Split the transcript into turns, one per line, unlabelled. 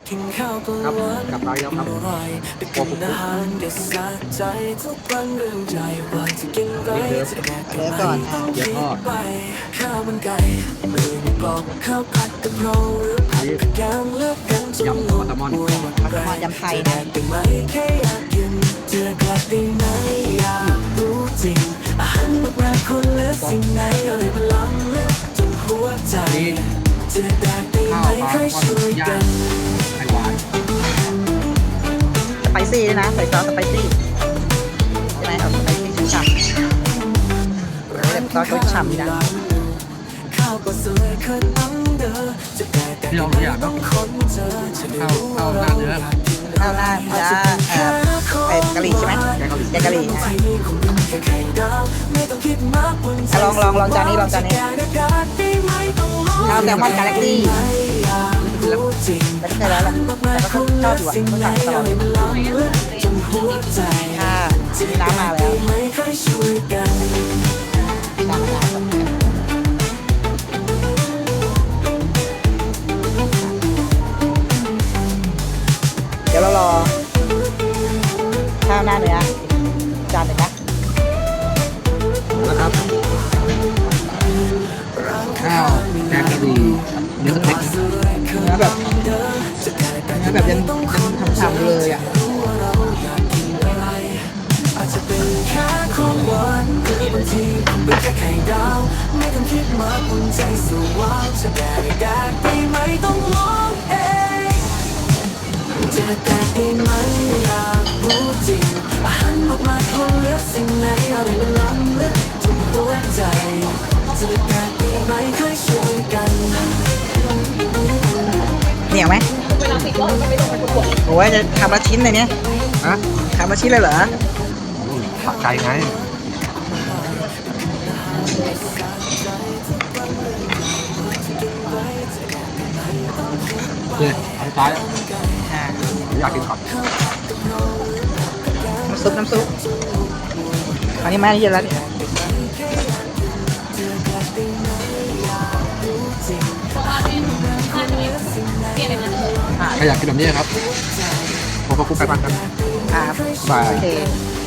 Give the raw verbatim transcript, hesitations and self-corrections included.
ครับกลับมาแล้วครับโอ้โหนี่เดิม
เดี๋ยวก่อน
เดี๋ยวทอดนี่ยำปลาแซลมอน
มาสมอยำไทยนะ
นี่ข้าวปลาทอดย่างไข่หวาน
สไปซี่ด้วยนะใส่ซอสสไปซี่ใช่ไหมเอาสไปซี่ฉ่ำๆแต่ซอสก็ฉ่ำดีนะ
ที่เราอยากเนาะข้าวข้าวหน้าเนื้อ
ข้าวหน้าเนื้อเอ่อไอ้กะหรี่ใช่ไหม
แกงกะหรี่
แกงกะหรี่อ่ะอ่ะลองลองลองจานนี้ลองจานนี้ข้าวแซลมอนกาแล็กซี่แล้วไม่เคยแล้วแหละแต่ก็ชอบอยู่อ่ะก็สั่งตลอดค่ะมีน้ำมาแล้วน้ำมาแล้วเดี๋ยวเรารอข้าวหน้าเนื้อจานหนึ่งนะ
นะครับข้าวแกงกะหรี่เนื้อสเต็ก
เนื้อแบบเนื้อแบบยังยังทำๆเลยอ่ะเหนียวไหมโอ้ยจะทำละชิ้นเลยเนี่ย
ฮะ
ทำละชิ้นเลยเหรอ
ผักไก่ไงเนี่ยอันท้าย
อ่า
อยากกินผัก
น้ำซุปน้ำซุปอันนี้แม่นี่เยอะแล้วนี่
ใครอยากกินแบบนี้ครับผมก็คุกไก่บ้านกัน
อ่า
บาย
โอเค